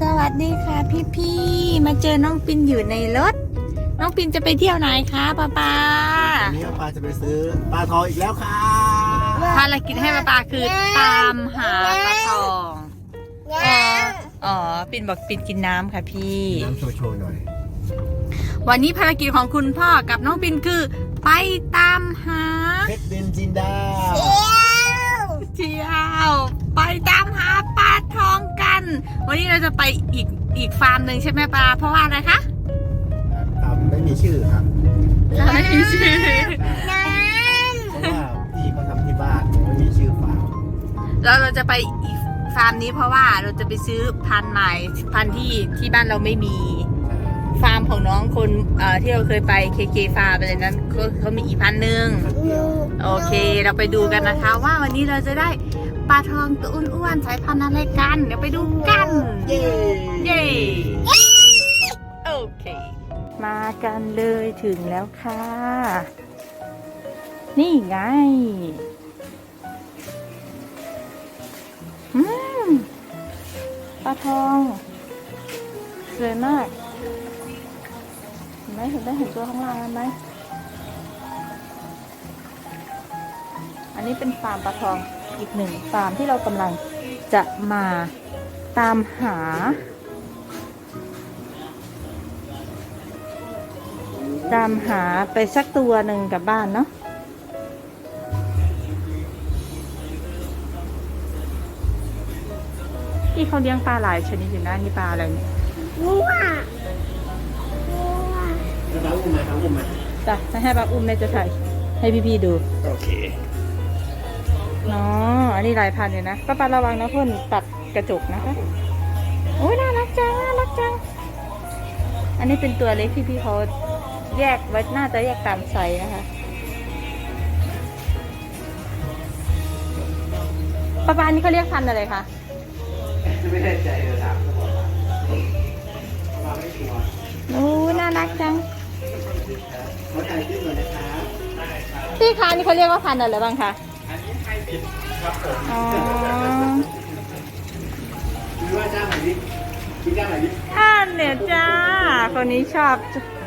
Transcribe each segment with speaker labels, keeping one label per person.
Speaker 1: สวัสดีค่ะพี่ๆมาเจอน้องปินอยู่ในรถน้องปินจะไปเที่ยวไหนคะป้า
Speaker 2: วันนี้ป้าจะไปซื้อปลาทองอีกแล้วค่ะ
Speaker 1: ภารกิจให้ป้าคือตามหาปลาทองอ๋อปินบอกปินกินน้ำค่ะพี่
Speaker 2: น้ำโชว์หน่อย
Speaker 1: วันนี้ภารกิจของคุณพ่อกับน้องปินคือไปตามหา
Speaker 2: เพชรดินจินดา
Speaker 1: เที่ยวไปตามหาปลาทองกันวันนี้เราจะไปอีกฟาร์มหนึ่งใช่ไหมป้าเพราะว่าอะไรคะ
Speaker 2: ตามไม่มีชื่อครับ
Speaker 1: ไม่มีชื่อ
Speaker 2: เพราะว่าพี่เขาทำที่บ้านไม่มีชื่อฟาร์ม
Speaker 1: แล้วเราจะไปอีกฟาร์มนี้เพราะว่าเราจะไปซื้อพันธุ์ใหม่พันธุ์ที่บ้านเราไม่มีฟาร์มของน้องคนที่เราเคยไปเคฟาร์มอะไรนั้นเขามีอีกพันธุ์หนึ่งโอเคเราไปดูกันนะคะว่าวันนี้เราจะได้ปลาทองตัวอ้วนๆสายพันธุ์อะไรกันเดี๋ยวไปดูกันเย้โอเคมากันเลยถึงแล้วค่ะนี่ไงปลาทองสวยมากเห็นไหมเห็นตัวข้างล่างไหมอันนี้เป็นฟาร์มปลาทองอีกหนึ่งฟาร์มที่เรากำลังจะมาตามหาไปสักตัวหนึ่งกลับบ้านเนาะที่เขาเลี้ยงปลาหลายชนิดอยู่นะนี่ปลาอะไรเนี่ย
Speaker 2: ปลาอุ้มไหมครับอุ้มไหม
Speaker 1: จ้ะไม่ให้ปลาอุ้มแม่จะถ่ายให้พี่ๆดู
Speaker 2: โอเค
Speaker 1: เนาะอันนี้หลายพันอยู่นะป้าระวังนะเพื่อนตัดกระจกนะคะโอ้ยน่ารักจังอันนี้เป็นตัวเล็กที่พี่เขาแยกไว้น่าจะแยกตามไซส์นะคะป้าอันนี้เขาเรียกพันธุ์อะไรคะ
Speaker 2: ไม่แน่ใจเลยถามเขาบอกว่าไม่ชัวร์
Speaker 1: โอ้น่ารักจัง
Speaker 2: เขาถ่ายคลิปหน่อยนะครับ
Speaker 1: พี่คะนี่เขาเรียกว่าพันธุ์อะไรบ้างคะ
Speaker 2: อันนี้ไฮบริดครับผม
Speaker 1: อ๋อ
Speaker 2: คือว่าจ้าไหนดิพี่จ้าไหนดิ
Speaker 1: เนี่ยจ้าคนนี้ชอบ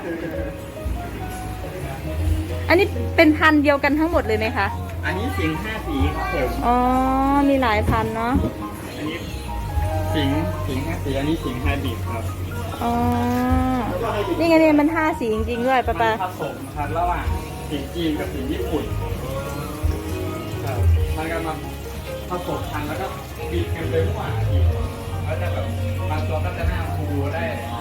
Speaker 1: อันนี้เป็นพันธุ์เดียวกันทั้งหมดเลยไหมคะ
Speaker 2: อันนี้สิงห์5 สีครับผม
Speaker 1: อ๋อมีหลายพันธุ์เนาะ
Speaker 2: อันนี้สิงห์5 สีอันนี้สิงห์ไฮบริดครับ
Speaker 1: อ๋อนี่ไงเนี่ยมัน5 สีจริงๆด้วยป้า
Speaker 2: ผสมครับระหว่างสิงห์จีนกับสิงห์ญี่ปุ่นมันก็มาผสมกันแล้วก็บีบกันไปมั่วอีกแล้วจะแบบบางตัวก็จะหน้าฟูได้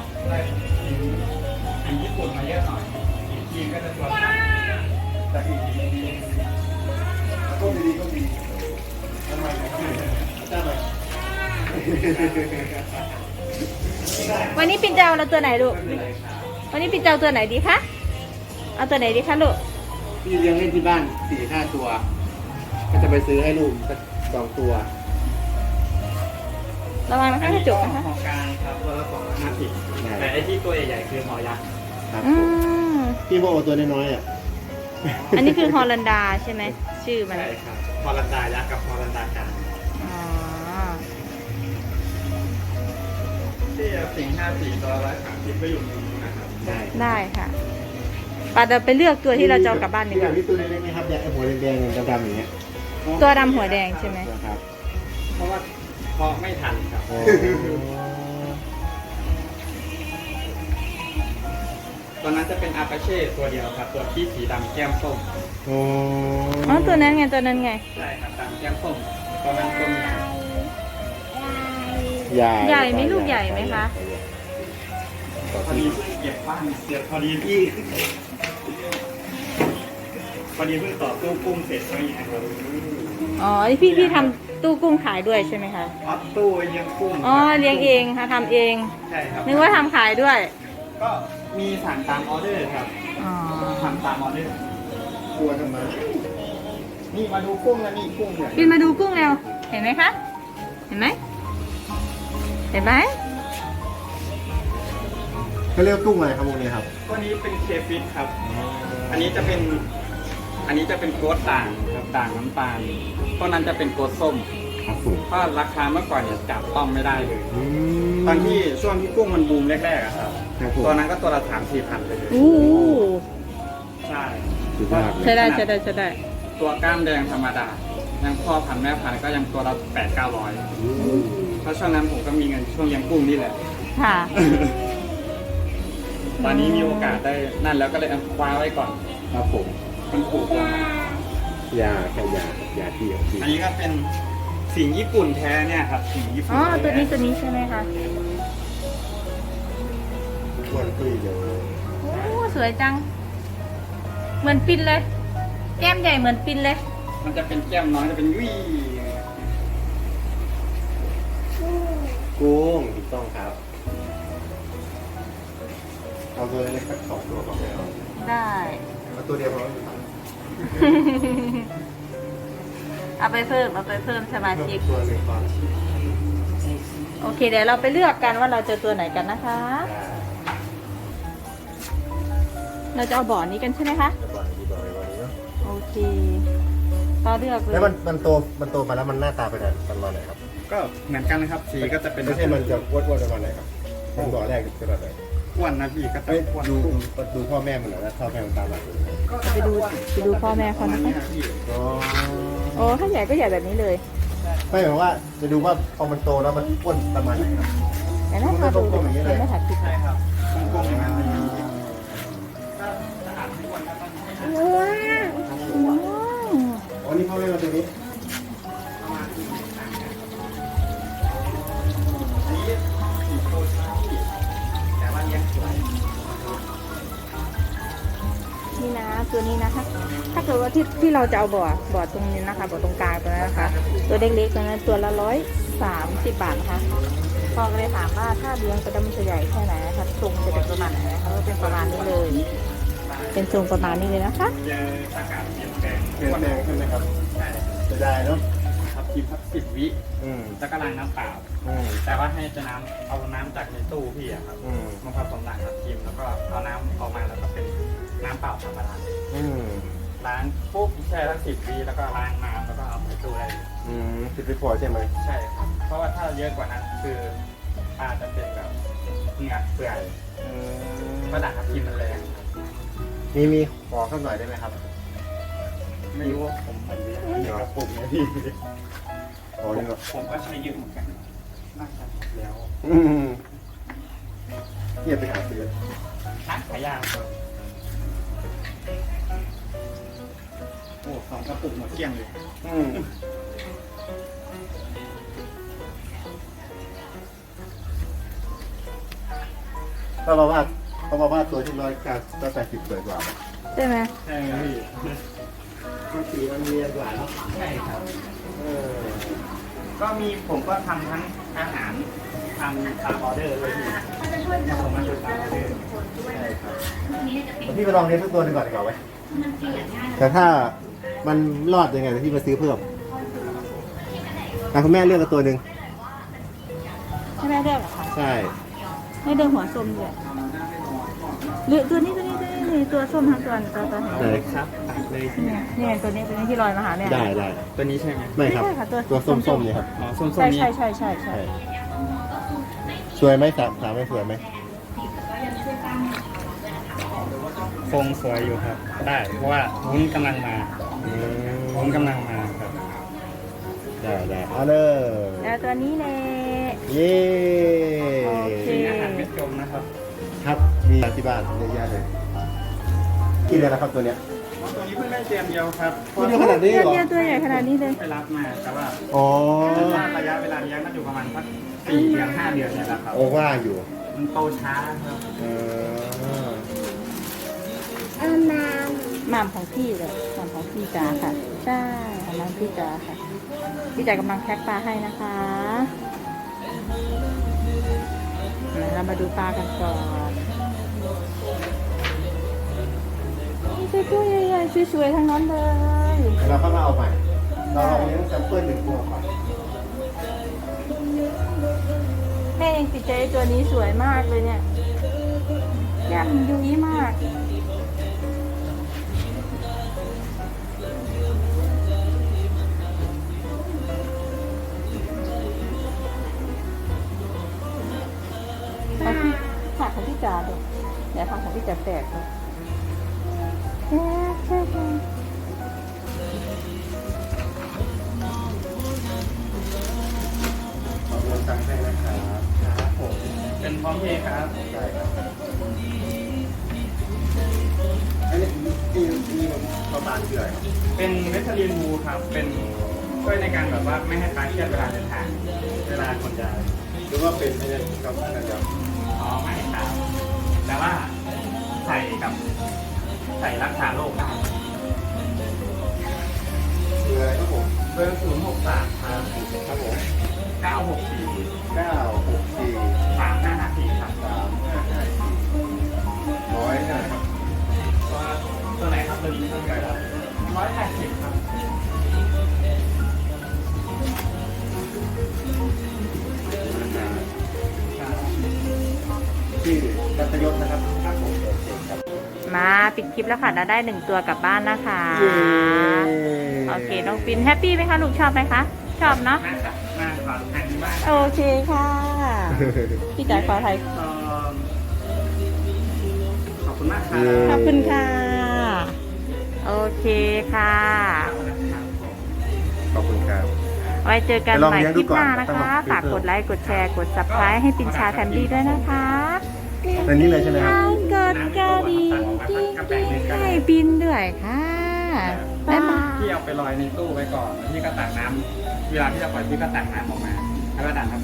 Speaker 2: สิงห์ญี่ปุ่นมาเยอะหน่อยสิงห์จีนก็จะตัวสั้นแต่สิงห์ดีก็ดีทำไมได้ไหม
Speaker 1: วันนี้ปิ่นเจ้าเราตัวไหนลูกวันนี้ปิ่นเจ้าตัวไหนดีคะเอาตัวไหนดีคะลูก
Speaker 2: พี่เลี้ยงเล่นที่บ้าน 4-5 ตัวก็จะไปซื้อให้ลูกสัก2 ตัว
Speaker 1: ระวังนะคะกระจกนะคะ
Speaker 2: หอกลางครับตัวละ250แต่ไอ้ที่ตัวใหญ่ๆคือหอยักษ์ครับพี่พวกตัวน้อยๆอ่ะ
Speaker 1: อันนี้คือฮอลันดาใช่ไหมชื่อมัน
Speaker 2: ใช่ครับฮอลันดายักษ์กับฮอลันดากลางที่สิงห์5 สีตัว130ก็อยู่ตรงนี้นะครับ
Speaker 1: ได้ค่ะป้าจะไปเลือกตัวที่เราจะเอากลับบ้านดีกว่า
Speaker 2: ตัวเล็กๆไหมครับหัวแดงๆดำๆอย่างเงี้ย
Speaker 1: ตัวดำหัวแดงใช่ไหม
Speaker 2: ครับเพราะว่าพอไม่ทันครับตอนนั้นจะเป็นอาปาเช่ตัวเดียวครับตัวที่สีดำแก้มส้ม
Speaker 1: อ๋อตัวนั้นไงใ
Speaker 2: ช่ครับดำแก้มส้มตอนนั้นต้น
Speaker 1: ใหญ่ไหมลูกใหญ่ไหมคะ
Speaker 2: พอดีเพิ่งเก็บบ้านเสร็จพอดีเพิ่งต่อตู้กุ้งเสร็จอะไรอย่างเงี้ยครับ
Speaker 1: อ๋อพี่ทำตู้กุ้งขายด้วยใช่ไหมคะ
Speaker 2: ตู้เลี้ยงกุ้ง
Speaker 1: อ๋อเลี้ยงเองค่ะทำเอง
Speaker 2: ใช่ครับ
Speaker 1: นึกว่าทำขายด้วย
Speaker 2: ก็มีสั่งตามออเดอร์ครับทำตามออเดอร์กลัวทำไมนี่มาดูกุ้งแล้วนี่กุ้งเนี่ย
Speaker 1: บินมาดูกุ้งแล้วเห็นไหมคะเห็นไหม
Speaker 2: เขาเรียกกุ้งอะไรครับพวกนี้ครับตัวนี้เป็นเคฟิชครับอันนี้จะเป็นโกดด่างครับด่างน้ำตาลต้นนั้นจะเป็นโกดส้มครับผม
Speaker 3: เพราะราคาเมื่อก่อนเนี่ยจับต้องไม่ได้เลย
Speaker 2: ม
Speaker 3: ตอนที่ช่วงที่กุ้งมันบูมแรกๆอะครับ
Speaker 2: ครับผม
Speaker 3: ตัวนั้นก็ตัวละ3-4 พันเลย
Speaker 1: โอ้
Speaker 3: ใช่
Speaker 2: สุดยอดเลย
Speaker 1: ใช่ได้ใช่ได้ใช่ได้
Speaker 3: ตัวกล้ามแดงธรรมดายังพ่อพันธุ์แม่พันธุ์ก็ยังตัวละ800-900
Speaker 2: อืม
Speaker 3: เพราะช่วงนั้นผมก็มีเงินช่วงเลี้ยงกุ้งนี่แหละ
Speaker 1: ค่ะ
Speaker 3: ตอนนี้มีโอกาสได้นั่นแล้วก็เลยเอาคว้าไว้ก่อน
Speaker 2: ครับผม
Speaker 3: มันปลูกลงมาย
Speaker 2: าแค่ยาที่ของพี่
Speaker 3: อันนี้ก็เป็นสิงญี่ปุ่นแท้เนี่ยครับสิงญี่ปุ่
Speaker 1: อ๋
Speaker 3: น
Speaker 1: อ
Speaker 3: แท้
Speaker 1: ตัวนี้ใช่ไหมคะ
Speaker 2: ควรคุยเลย
Speaker 1: โอ้ สวยจัง เหมือนปินเลย แก้มใหญ่เหมือนปินเลย
Speaker 3: มันจะเป็นแก้มน้อยจะเป็นยุ่ย
Speaker 2: กุ้งถูกต้องครับ เอาตัวเล็กสัก2 ตัวก็ไม่เอา
Speaker 1: ได้
Speaker 2: เอาตัวเดียวพอ
Speaker 1: เอาไปเพิ่มสมาชิก
Speaker 2: ตัวหนึ่งก่อน
Speaker 1: โอเค เดี๋ยวเราไปเลือกกันว่าเราจะตัวไหนกันนะคะ เราจะเอาบ่อนี้กันใช่ไหมคะ
Speaker 2: จะบอกดีกว่าในวันนี้เนาะ
Speaker 1: โอเคก็เลือกเลย
Speaker 2: แล้วมันโตมาแล้วมันหน้าตาเป็นประมาณไหนครับ
Speaker 3: ก็เหมือนกันนะครับสีก็จะเป็น
Speaker 2: ไม่ใช่มันจะอ้วนๆประมาณไหนครับมันบ่อแรกเป็นแบบไหน
Speaker 3: อ้วนนะพี่ก็จะ
Speaker 2: เอ้ย
Speaker 3: อ้วน
Speaker 2: ดูพ่อแม่มันหน่อยนะพ่อแม่มันตามหลังเลย
Speaker 1: ไปดูพ่อแม่เขา
Speaker 3: ประมาณ
Speaker 1: นะ
Speaker 3: นี้
Speaker 1: คะ
Speaker 3: นะพี่
Speaker 2: อ๋อ
Speaker 1: โอ้ถ้าใหญ่ก็ใหญ่แบบนี้เลย
Speaker 2: ไม่หมายว่าจะดูว่าพอมันโตแล้วมันอ้วนประมาณไหนครับ
Speaker 1: แต่น่าทาดูเลยเดี๋ยวไม่ถ่ายคลิป
Speaker 3: ใช่ครับกลมๆอย่างนั้นเลยถ้าสะอาดไม่อ้วนก็ต้องให้อาหาร
Speaker 2: อ๋อนี่พ่อแม่มาตัวนี้
Speaker 3: ประมาณนี้อันนี้สีโคชาพี่แต่ว่าเลี้ยงสวย
Speaker 1: นี่นะตัวนี้นะคะ ถ้าเกิดว่าที่เราจะเอาบ่อตรงนี้นะคะบ่อตรงกลางตัวนั้นนะคะ ตัวเล็กๆตัวนั้นตัวละ130 บาทนะคะพ่อก็เลยถามว่าถ้าเลี้ยงกระดมจะใหญ่แค่ไหนนะคะทรงจะเป็นประมาณไหนนะคะก็เป็นประมาณนี้เลย เป็นทรงประมาณนี้เลยนะคะ
Speaker 3: เจออากาศเปลี่ยนแปลง
Speaker 2: เปลี่ยนแปลงใช่ไหมครับ
Speaker 3: ใช่
Speaker 2: จะได้เนาะ
Speaker 3: ครับกินสัก10 วิ
Speaker 2: อืม
Speaker 3: แล้วก็ล้างน้ำเปล่า
Speaker 2: อืม
Speaker 3: แต่ว่าให้จะเอาน้ำจากในตู้พี่อะครับ
Speaker 2: อืม
Speaker 3: มาผสมหลังกับทีมแล้วก็เอาน้ำออกมาแล้วก็เป็นน้ำเปล่าธรรมดา
Speaker 2: อืม
Speaker 3: ล้างปุ๊บแช่ทั้ง10 วิแล้วก็ล้างน้ำแล้วก็เอาใส่ตู้ได้เลย
Speaker 2: อืมติดไปพอใช่ไหม
Speaker 3: ใช่ครับ เพราะว่าถ้าเยอะกว่านั้นคืออาจจะเป็นแบบเหงือกเปื่อย
Speaker 2: อืม
Speaker 3: เพราะด่างทับทิมมันแรงครับ
Speaker 2: มีขอสักหน่อยได้ไหมครับ
Speaker 3: ไม่รู้ว่าผมเหมือนเลี้ยง
Speaker 2: เดี๋ยวปลุกนะพี่ขอดีกว่า
Speaker 3: ผมก็ใช้เยอะเหมือนกันน่าจะแล้ว
Speaker 2: อืมเทียบไปหาซื้อ
Speaker 3: นักขายยาครับโอ้2 กระปุกหมดเกลี้ยงเลย
Speaker 2: อืมเขาบอกว่าตัวที่180สวยกว่า
Speaker 1: ใช่ไหม
Speaker 3: ใช่ไหมพี่
Speaker 2: มันสีมันเรียนกว่าเนาะ
Speaker 3: ใช่ครับ
Speaker 2: เออ
Speaker 3: ก็มีผมก็ทำทั้งอาหารทำตามออเดอร์เลยพี่ผมมาอยู่ตามออเดอร์
Speaker 2: ใช่ครับเดี๋ยวพี่ไปลองเลี้ยงสักตัวหนึงก่อนดีกว่าไหมแต่ถ้ามันรอดยังไงเดี๋ยวพี่มาซื้อเพิ่มคุณแม่เลือกกับตัวหนึ่ง
Speaker 1: ใช่ไหมเลือกเหรอคะ
Speaker 2: ใช่
Speaker 1: ไม่เดินหัวส้มเลยหรือตัวนี้ตัวส้มทั้งตัวตัวไหน
Speaker 2: ไหน
Speaker 3: ครับตัดเลย
Speaker 1: เนี่ยตัวนี้ที่ลอยมาหาเนี่ย
Speaker 2: ได้
Speaker 3: ตัวนี้ใช่ไหม
Speaker 2: ไม่ครับ
Speaker 1: ไม่ใช่ค่ะตัว
Speaker 2: ตัวส้มๆเนี่ยครับ
Speaker 3: อ๋อส้ม
Speaker 1: ใช่
Speaker 3: ๆนี้
Speaker 1: ใช่
Speaker 2: ใช่สวยไหมสามไม่สวยไหม
Speaker 3: คงสวยอยู่ครับ ได้เพราะว่าวุ้นกำลังมา
Speaker 2: อื
Speaker 3: วุ้นกำลังมาครับ
Speaker 2: ได้เอาเลย
Speaker 1: แล้วตัวนี้เลย
Speaker 2: เย้
Speaker 1: โอเค
Speaker 3: มีอาหารเม็ดจมนะครับ
Speaker 2: ครับมีที่บ้านเยอะแยะเลยกี่เดือนแล้วครับตัวเนี้ย
Speaker 3: ตัวนี้เพิ่งได้เตรียมเดียวครับ
Speaker 2: ตัวเดียวขนาดนี้เหรอ
Speaker 1: เดียวตัวใหญ่ขนาดนี้เลย
Speaker 3: ไปรับมาแต่ว่า
Speaker 2: อ๋อ
Speaker 3: ระยะเวลาเลี้ยงก็อยู่ประมาณสัก4 เดือน 5 เดือนเนี่ยแหละครับ
Speaker 2: โอ้ว่าอยู่
Speaker 3: มันโตช้าครับ
Speaker 2: เออ
Speaker 1: หม่ำของพี่เลยหม่ำของพี่จ๋าค่ะ ใช่หม่ำพี่จ๋าค่ะ พี่จ๋ากำลังแพ็คปลาให้นะคะเรามาดูปลากันก่อนนี่ตัวใหญ่ๆสวยๆทั้งนั้นเลย
Speaker 2: เราเข้ามาเอาใหม่เราลองเลี้ยงแซมเปิลหนึ่งตัวก่อน
Speaker 1: แม่เองติดใจตัวนี้สวยมากเลยเนี่ยแก้มยุ้ยมากจ๋าดูเดี๋ยวทำของพี่จ๋าแตกดูแตก
Speaker 2: ขอโอนตังค์ให้นะครับ
Speaker 3: ครับผมเป็นพร้อมเพย์ครับ
Speaker 2: ได้ครับอันนี้มีประมาณเท่าไหร่ครับ
Speaker 3: เป็นเวทลีนบูครับ เป็นช่วยในการแบบว่าไม่ให้คลายเครียดเวลาเดินทาง เวลาขนย้าย
Speaker 2: หรือว่าเป็นไอ้นี่ครับนั่นครับ
Speaker 3: อ๋อไม่ครับแต่ว่าใส่รักษาโรคได้
Speaker 2: คืออะไรครับผม
Speaker 3: เบอร์063ครับ
Speaker 2: ครับผม
Speaker 3: 964
Speaker 2: 964
Speaker 3: 3554ครับ
Speaker 2: 3554ร้อยเท่าไหร่ครับ
Speaker 3: ตัวไหนครับตัวนี้ครับ180ครับ
Speaker 2: ที่รัตยศนะครับครับผมโอเคครับ
Speaker 1: มาปิดคลิปแล้วค่ะเราได้1ตัวกลับบ้านนะคะ โอเคน้องปินแฮปปี้ไหมคะลูกชอบไหมคะชอบเนาะ
Speaker 3: มาขอทานที่บ้าน
Speaker 1: โอเคค่ะ พี่จ๋าขอไทย
Speaker 3: ขอบคุณมากครับ
Speaker 1: ขอบคุณค่ะ โอเคค่ะ
Speaker 2: ขอบคุณครับ
Speaker 1: ไว้เจอกัน
Speaker 2: ไปลอง
Speaker 1: ใหม่
Speaker 2: เลี้ยง
Speaker 1: ค
Speaker 2: ดู
Speaker 1: ลิป
Speaker 2: ก่อน
Speaker 1: หน้านะ
Speaker 2: ต้อง
Speaker 1: คะ
Speaker 2: ลอง
Speaker 1: ฝากกดไลค์ กดแชร์ กด subscribe ให้ปินชาแฟมิลี่ด้วยนะคะ
Speaker 2: ในนี้เลยใช่ไหมครับ
Speaker 1: กดกระดิ่งกิ๊งๆให้ปินด้วยค่ะบ๊ายบาย
Speaker 3: พี่เอาไปลอยในตู้ไว้ก่อนแล้วพี่ก็ตักน้ำเวลาที่จะปล่อยพี่ก็ตักน้ำออกมา แล้วก็ดันครับ